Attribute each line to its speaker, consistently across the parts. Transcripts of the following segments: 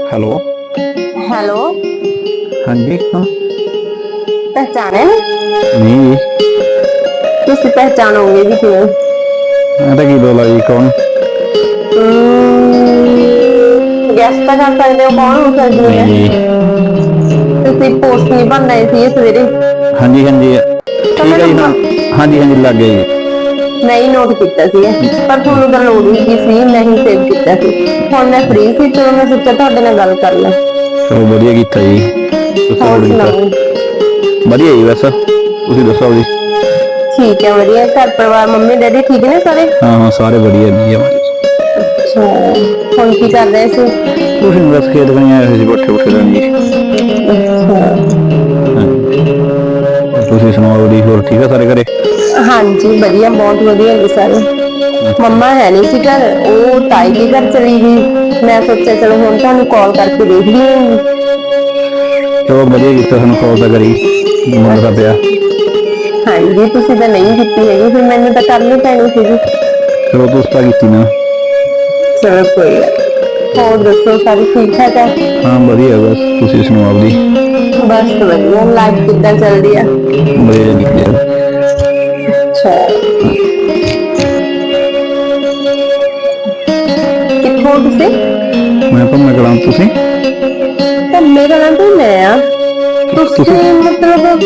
Speaker 1: Hello.
Speaker 2: Hello.
Speaker 1: हाँ जी कौन?
Speaker 2: पहचाने
Speaker 1: नहीं
Speaker 2: तुसी पहचानोगे भी क्यों?
Speaker 1: ऐसा की बोला जी कौन?
Speaker 2: गैस तो कर सकते हो कौन हो सकती
Speaker 1: नहीं
Speaker 2: है?
Speaker 1: जी।
Speaker 2: तुसी पोस्ट नहीं बन रहे थे सवेरे
Speaker 1: हाँ जी
Speaker 2: तो
Speaker 1: ठीक
Speaker 2: मैं
Speaker 1: है जी। हाँ हाँ जी लग गया जी।
Speaker 2: नहीं नोट किया पर ਤੁਹਾਨੂੰ ਤਾਂ ਲੋੜ ਹੀ ਕੀ ਸੀ ਨਹੀਂ ਸੇਵ ਕੀਤਾ ਸੀ। ਹੁਣ ਮੈਂ ਫ੍ਰੀ ਸੀ ਚਲੋ ਮੈਂ ਸੋਚਿਆ ਤੁਹਾਡੇ ਨਾਲ ਗੱਲ ਕਰ ਲਾਂ।
Speaker 1: चलो बढ़िया कीता जी। दसो
Speaker 2: ਹੋਰ
Speaker 1: फिर कीता
Speaker 2: ਸੁਣਾਓ?
Speaker 1: बढ़िया जी। बस तुसी दसो जी।
Speaker 2: ठीक है बढ़िया घर परिवार मम्मी डैडी ठीक ने सारे?
Speaker 1: हाँ हाँ सारे बढ़िया जी हमारे।
Speaker 2: अच्छा ਹੁਣ ਕੀ ਕਰ ਰਹੇ ਸੀ?
Speaker 1: कुछ नहीं बस खेत बनी आए थे बट्ठे बुट्ठे देन जी।
Speaker 2: अच्छा
Speaker 1: हाँ जी और तुसी सुनाओ जी होर ठीक है सारे घरे?
Speaker 2: हाँ जी बढ़िया बहुत बढ़िया जी सारे।
Speaker 1: अच्छा
Speaker 2: मम्मा है नहीं सी घर वो ताई के घर चली गई मैं सोचा चलो हुण तुहानू कॉल करके देख ली।
Speaker 1: चलो बढ़िया कीता सानू कॉल तो करी मुंडा पिया।
Speaker 2: हाँ जी तुसी तो नहीं कीती हैगी फिर मैनू तो करनी पैनी सी जी।
Speaker 1: चलो तुस तो कीती ना।
Speaker 2: चलो कोई गल होर दसो सारी ठीक ठाक है?
Speaker 1: हाँ बढ़िया बस तुसी सुनाओ जी।
Speaker 2: बस बढ़िया लाइफ किद्दां चल रही है?
Speaker 1: बढ़िया जी बढ़िया।
Speaker 2: अच्छा कित्थों तुसी?
Speaker 1: मैं भम्मे कलां तुसी?
Speaker 2: धम्मे कलां तो मैं आ
Speaker 1: तुसी
Speaker 2: तुसी मतलब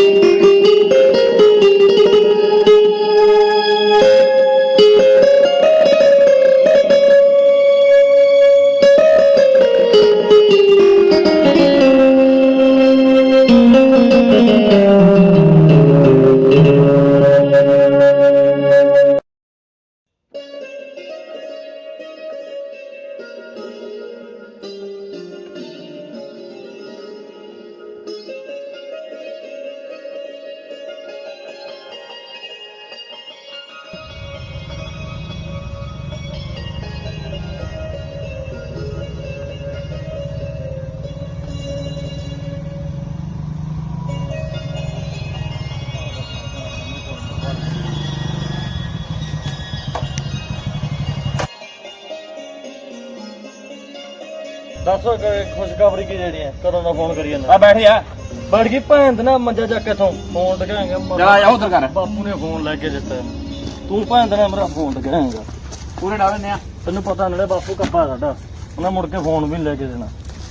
Speaker 3: दस खुशखबरी की जेड़ी है कदों दा फोन करी
Speaker 4: आ बैठ जा
Speaker 3: बैठ गई भैन ते ना मंजा चक इथों फोन टकाएंगे
Speaker 4: जा जा उधर कर
Speaker 3: बापू ने फोन लेके दिता तू भैन ते ना मेरा फोन टकाएंगा
Speaker 4: पूरे डाल ने
Speaker 3: तेन पता नड़े बापू कप्पा साडा उन्हें मुड़ के फोन भी नहीं लेके देना।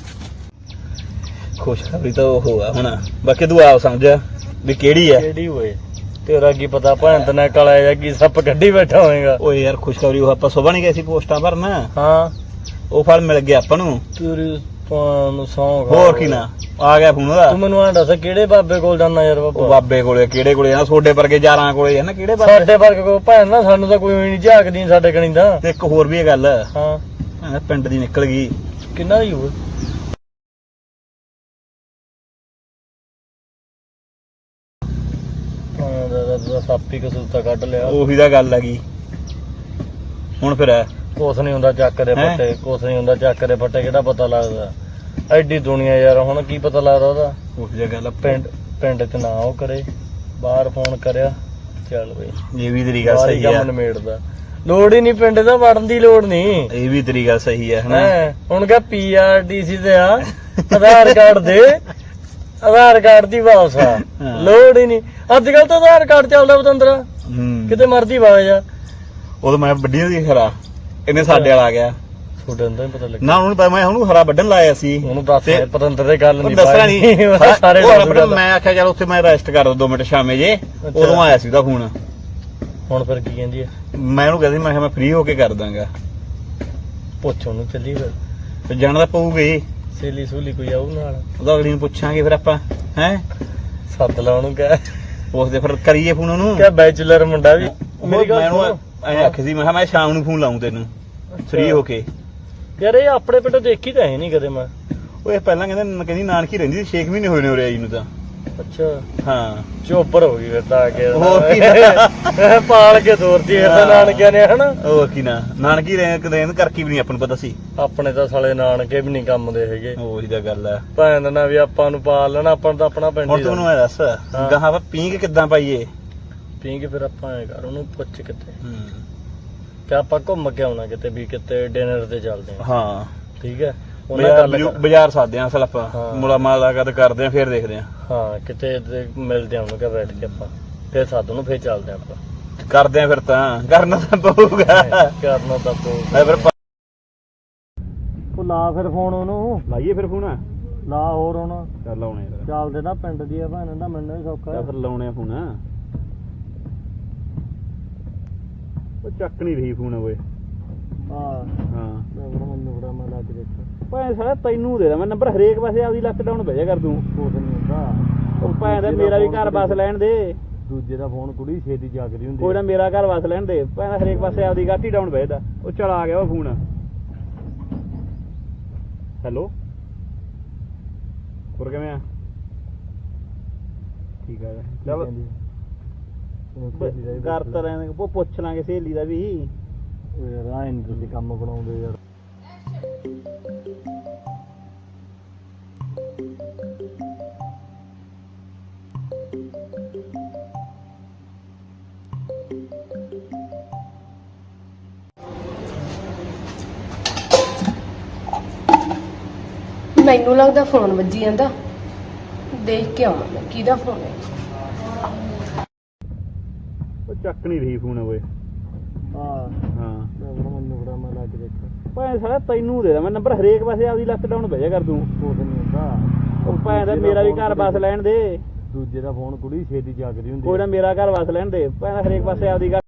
Speaker 1: खुशखबरी तो होगा हुण बाकी तू आप समझ भी केड़ी है।
Speaker 3: केड़ी होए तेरा की पता भैन ते ना काला या की सप कड्डी बैठा होएगा।
Speaker 1: ओए यार खुशखबरी वो ਆਪਾਂ ਸੁਬਾ ਨਹੀਂ ਗਏ ਸੀ ਪੋਸਟਾਂ ਭਰਨ
Speaker 3: हाँ
Speaker 1: ਉਹ ਫਲ ਮਿਲ ਗਿਆ ਆਪਾਂ ਨੂੰ।
Speaker 3: तेरी पान सौं
Speaker 1: ਹੋਰ ਕੀ ਨਾ ਆ ਗਿਆ ਫੋਨ ਉਹਦਾ।
Speaker 3: तू मैनू आ दस केड़े बाबे कोल जाना यार
Speaker 1: ਉਹ
Speaker 3: बाबा
Speaker 1: ਬਾਬੇ ਕੋਲੇ ਕਿਹੜੇ ਕੋਲੇ ਆ ਤੁਹਾਡੇ ਵਰਗੇ ਯਾਰਾਂ ਕੋਲੇ ਆ ਨਾ ਕਿਹੜੇ ਬਾਬੇ।
Speaker 3: ਸਾਡੇ ਵਰਗ ਕੋ ਭੈਣ ਨਾ ਸਾਨੂੰ ਤਾਂ ਕੋਈ ਨਹੀਂ ਝਾਕਦੀ ਸਾਡੇ ਕਣੀ ਦਾ।
Speaker 1: ਤੇ ਇੱਕ ਹੋਰ ਵੀ ਇਹ ਗੱਲ
Speaker 3: ਹਾਂ
Speaker 1: ਪਿੰਡ ਦੀ ਨਿਕਲ ਗਈ।
Speaker 3: ਕਿੰਨਾ ਦੀ ਹੋਏ ਸਾਪੀ ਕਸੂਤਾ ਕੱਢ ਲਿਆ।
Speaker 1: ਉਹੀ ਤਾਂ ਗੱਲ ਹੈਗੀ ਹੁਣ ਫਿਰ
Speaker 3: ਕੁਛ ਨਹੀਂ ਹੁੰਦਾ ਚੱਕ ਦੇ
Speaker 1: ਹੈਂ?
Speaker 3: ਫੱਟੇ ਕੁਛ ਨਹੀਂ ਹੁੰਦਾ ਚੱਕ ਦੇ ਫੱਟੇ ਕਿਹੜਾ ਪਤਾ ਲੱਗਦਾ ਐਡੀ ਦੁਨੀਆ ਯਾਰ ਹੁਣ ਕੀ ਪਤਾ ਲੱਗਦਾ ਉਹਦਾ।
Speaker 1: ਉਹੀ ਤਾਂ ਗੱਲ
Speaker 3: ਪਿੰਡ ਚ ਨਾ ਉਹ ਕਰੇ ਬਾਹਰ ਫੋਨ ਕਰਿਆ ਚੱਲ ਬਈ
Speaker 1: ਇਹ ਵੀ ਤੇਰੀ ਗੱਲ
Speaker 3: ਬਾਹਰ ਹੀ
Speaker 1: ਸਹੀ
Speaker 3: ਕੰਮ
Speaker 1: ਹੈ।
Speaker 3: ਨਿਮੇੜਦਾ ਲੋੜ ਹੀ ਨਹੀਂ ਪਿੰਡ ਦਾ ਵੜਨ ਦੀ ਲੋੜ ਨਹੀਂ।
Speaker 1: ਇਹ ਵੀ ਤੇਰੀ ਗੱਲ ਸਹੀ ਹੈ ਹਨਾ।
Speaker 3: ਹੈਂ ਹੁਣ ਕਹ ਪੀਆਰਡੀਸੀ ਤੇ ਆ ਆਧਾਰ ਕਾਰਡ ਦੇ ਆਧਾਰ ਕਾਰਡ ਦੀ ਵਾਪਸ ਆ
Speaker 1: ਹਾਂ।
Speaker 3: ਲੋੜ ਹੀ ਨਹੀਂ ਅੱਜ ਕੱਲ ਤਾਂ ਆਧਾਰ ਕਾਰਡ ਚੱਲਦਾ ਬਤੰਦਰਾ
Speaker 1: ਹੂੰ
Speaker 3: ਕਿਤੇ ਮਰਦੀ ਵਾਜ ਆ।
Speaker 1: ਉਦੋਂ ਮੈਂ ਵੱਡੀ ਦੀ ਖਰਾ ਇਹਨੇ ਸਾਡੇ ਵਾਲਾ ਆ ਗਿਆ
Speaker 3: ਤੁਹਾਡੇ ਅੰਦਰ ਪਤਾ ਲੱਗਿਆ
Speaker 1: ਨਾ ਉਹਨੂੰ ਪਤਾ ਮੈਂ ਉਹਨੂੰ ਹਰਾ ਵੱਢਣ ਲਾਇਆ ਸੀ।
Speaker 3: ਉਹਨੂੰ ਦੱਸ
Speaker 1: ਤੇ
Speaker 3: ਪਤੰਦਰ ਦੇ ਗੱਲ
Speaker 1: ਉਹ
Speaker 3: ਨਹੀਂ
Speaker 1: ਦੱਸਣਾ ਨਹੀਂ
Speaker 3: ਸਾਰੇ
Speaker 1: ਉਹ
Speaker 3: ਦੱਸ
Speaker 1: ਵੱਢਣ
Speaker 3: ਗੱਲ।
Speaker 1: ਮੈਂ ਆਖਿਆ ਚਲ ਉੱਥੇ ਮੈਂ ਰੈਸਟ ਕਰ 2 ਮਿੰਟ ਸ਼ਾਮੇ ਜੇ ਉਦੋਂ ਆਇਆ ਸੀ ਉਹਦਾ ਫੋਨ।
Speaker 3: ਹੁਣ ਫਿਰ ਕੀ ਕਹਿੰਦੀ ਆ
Speaker 1: ਮੈਂ ਉਹਨੂੰ ਕਹਿੰਦੀ ਮੈਂ ਕਿਹਾ ਮੈਂ ਫ੍ਰੀ ਹੋ ਕੇ ਕਰ ਦਾਂਗਾ।
Speaker 3: ਪੁੱਛ ਉਹਨੂੰ ਚੱਲੀ ਫਿਰ
Speaker 1: ਤੇ ਜਾਣਾ ਤਾਂ ਪਊਗਾ ਹੀ।
Speaker 3: ਸੇਲੀ ਸੂਲੀ ਕੋਈ ਆਊ ਨਾਲ
Speaker 1: ਉਹਦਾ ਅਗਲੀ ਨੂੰ ਪੁੱਛਾਂਗੇ ਫਿਰ ਆਪਾਂ ਹੈ
Speaker 3: ਸੱਦ ਲਾ ਉਹਨੂੰ ਕਹਿ
Speaker 1: ਉਸਦੇ ਫਿਰ ਕਰੀਏ ਫੋਨ ਉਹਨੂੰ।
Speaker 3: ਕਹਿ ਬੈਚਲਰ ਮੁੰਡਾ ਵੀ ਮੇਰੀ ਗੱਲ
Speaker 1: ਮੈਨੂੰ
Speaker 3: ਸੁਣੋ।
Speaker 1: ਐ ਆਖੀ ਸੀ ਮੈਂ ਕਿਹਾ ਮੈਂ ਸ਼ਾਮ ਨੂੰ ਫੋਨ ਲਾਉਂ ਤੈਨੂੰ ਫ੍ਰੀ ਹੋ ਕੇ।
Speaker 3: ਯਾਰ ਇਹ ਆਪਣੇ ਪਿੰਡ ਦੇਖੀ ਤਾਂ ਹੈ ਨਹੀਂ ਕਦੇ ਮੈਂ।
Speaker 1: ਉਹ ਇਹ ਪਹਿਲਾਂ ਕਹਿੰਦੀ ਨਾਨਕੀ ਰਹਿੰਦੀ ਸੀ 6 ਮਹੀਨੇ ਹੋਏ ਨੇ ਉਰੇ ਆਈ ਨੂੰ ਤਾਂ।
Speaker 3: ਅੱਛਾ
Speaker 1: ਹਾਂ
Speaker 3: ਚੋਪਰ ਹੋ ਗਈ ਫਿਰ ਤਾਂ ਆ ਕੇ
Speaker 1: ਹੋਰ ਕੀ
Speaker 3: ਪਾਲ ਕੇ ਤੋਰਦੀ ਫਿਰ ਤਾਂ ਨਾਨਕਿਆਂ ਨੇ ਹਨਾ।
Speaker 1: ਉਹ ਕੀ ਨਾ ਨਾਨਕੀ ਰਹਿਣ ਕਰਕੇ ਵੀ ਨਹੀਂ ਆਪਾਂ ਨੂੰ ਪਤਾ ਸੀ।
Speaker 3: ਆਪਣੇ ਤਾਂ ਸਾਲੇ ਨਾਨਕੇ ਵੀ ਨਹੀਂ ਕੰਮ ਦੇ ਹੈਗੇ
Speaker 1: ਉਹੀ ਤਾਂ ਗੱਲ ਹੈ।
Speaker 3: ਭੈਣ ਨਾ ਵੀ ਆਪਾਂ ਨੂੰ ਪਾਲ ਲੈਣਾ ਆਪਾਂ ਨੂੰ ਤਾਂ ਆਪਣਾ ਪਿੰਡ
Speaker 1: ਹੁਣ
Speaker 3: ਹੀ
Speaker 1: ਤੂੰ ਮੈਨੂੰ ਐ ਦੱਸ ਗਾਹਾਂ ਆਪਾਂ ਪੀਂਘ ਕਿੱਦਾਂ ਪਾਈਏ?
Speaker 3: ਪੀਂਗੇ ਫਿਰ ਆਪਾਂ ਐ ਕਰ ਉਹਨੂੰ ਪੁੱਛ ਕਿਤੇ
Speaker 1: ਹੂੰ
Speaker 3: ਕਿ ਆਪਾਂ ਘੁੰਮ ਕੇ ਆਉਣਾ ਕਿਤੇ ਵੀ ਕਿਤੇ ਡਿਨਰ ਤੇ ਚੱਲਦੇ ਆ
Speaker 1: ਹਾਂ
Speaker 3: ਠੀਕ ਹੈ ਉਹਨਾਂ ਗੱਲ
Speaker 1: ਬਾਜ਼ਾਰ ਸਾਦੇ ਆ ਅਸਲ ਆਪਾਂ
Speaker 3: ਹਾਂ।
Speaker 1: ਮੁਲਾਕਾਤ ਕਰਦੇ ਆ ਫਿਰ ਦੇਖਦੇ ਆ
Speaker 3: ਹਾਂ ਕਿਤੇ ਮਿਲਦੇ ਆ ਉਹਨੂੰ ਕਿ ਬੈਠ ਕੇ ਆਪਾਂ ਫਿਰ ਸਾਧੂ ਨੂੰ ਫਿਰ ਚੱਲਦੇ ਆਪਾਂ
Speaker 1: ਕਰਦੇ ਆ ਫਿਰ ਤਾਂ ਕਰਨਾ ਤਾਂ ਪਊਗਾ
Speaker 3: ਕਰਨਾ ਤਾਂ
Speaker 1: ਮੈਂ ਫਿਰ
Speaker 3: ਉਹ ਲਾ ਫਿਰ ਫੋਨ ਉਹਨੂੰ
Speaker 1: ਲਾਈਏ ਫਿਰ ਫੋਨ
Speaker 3: ਲਾ ਹੋਰ ਹੁਣ
Speaker 1: ਚੱਲ ਲਾਉਣੇ ਫਿਰ
Speaker 3: ਚੱਲਦੇ ਨਾ ਪਿੰਡ ਦੀ ਆ ਭੈਣ ਦਾ ਮੈਨੂੰ ਵੀ ਸੌਖਾ
Speaker 1: ਚੱਲ ਫਿਰ ਲਾਉਣੇ ਆ ਫੋਨ ਉਹ ਚੱਕ ਨਹੀਂ ਰਹੀ ਫੋਨ ਓਏ
Speaker 3: ਹਾਂ
Speaker 1: ਹਾਂ
Speaker 3: ਮੈਨੂੰ ਬੜਾ ਮੈਂ ਲੱਗ ਦੇਖਾਂ
Speaker 1: ਭਾਵੇਂ ਸਾਲਾ ਤੈਨੂੰ ਦੇ ਦਾਂ ਮੈਂ ਨੰਬਰ ਹਰੇਕ ਪਾਸੇ ਆਪਦੀ ਲੱਕ ਡਾਊਨ ਭੇਜਿਆ ਕਰ ਤੂੰ
Speaker 3: ਕੁਛ ਨਹੀਂ ਹੁੰਦਾ
Speaker 1: ਉਹ ਭਾਵੇਂ ਦਾ ਮੇਰਾ ਵੀ ਘਰ ਵਸ ਲੈਣ ਦੇ
Speaker 3: ਦੂਜੇ ਦਾ ਫੋਨ ਕੁੜੀ ਛੇਤੀ ਜਾਗਦੀ ਹੁੰਦੀ
Speaker 1: ਕੋਈ ਨਾ ਮੇਰਾ ਘਰ ਵਸ ਲੈਣ ਦੇ ਭਾਵੇਂ ਹਰੇਕ ਪਾਸੇ ਆਪਦੀ ਗਾਟੀ ਡਾਊਨ ਭੇਜਦਾ ਉਹ ਚਲ ਆ ਗਿਆ ਉਹ ਫੋਨ ਹੈਲੋ ਹੋਰ ਕਿਵੇਂ ਆ ਠੀਕ ਆ ਚਲ ਕਰ ਤਾਂ ਰਹੇ ਉਹ ਪੁੱਛ ਲਾਂਗੇ ਸਹੇਲੀ ਦਾ ਵੀ
Speaker 3: ਯਾਰ ਆਏ ਨੀ ਤੁਸੀਂ ਕੰਮ ਬਣਾਉਂਦੇ ਯਾਰ
Speaker 5: ਮੈਨੂੰ ਲੱਗਦਾ ਫੋਨ ਵੱਜੀ ਜਾਂਦਾ ਦੇਖ ਕੇ ਆਵਾਂ ਮੈਂ ਕਿਹਦਾ ਫੋਨ ਹੈ
Speaker 1: ਉਹ ਚੱਕ ਨਹੀਂ ਰਹੀ ਫੋਨ ਓਏ
Speaker 3: ਹਾਂ
Speaker 1: ਹਾਂ
Speaker 3: ਮੈਨੂੰ ਬੜਾ ਮੈਂ ਲੱਗ ਦੇਖਾਂ
Speaker 1: ਭਾਵੇਂ ਸਾਲਾ ਤੈਨੂੰ ਦੇ ਦਾਂ ਮੈਂ ਨੰਬਰ ਹਰੇਕ ਪਾਸੇ ਆਪਦੀ ਲੱਕ ਡਾਊਨ ਭੇਜਿਆ ਕਰ ਤੂੰ
Speaker 3: ਕੁਛ ਨਹੀਂ ਹੁੰਦਾ
Speaker 1: ਉਹ ਭਾਵੇਂ ਦਾ ਮੇਰਾ ਵੀ ਘਰ ਵਸ ਲੈਣ ਦੇ
Speaker 3: ਦੂਜੇ ਦਾ ਫੋਨ ਕੁੜੀ ਛੇਤੀ ਜਾਗਦੀ ਹੁੰਦੀ
Speaker 1: ਕੋਈ ਨਾ ਮੇਰਾ ਘਰ ਵਸ ਲੈਣ ਦੇ ਭਾਵੇਂ ਹਰੇਕ ਪਾਸੇ ਆਪਦੀ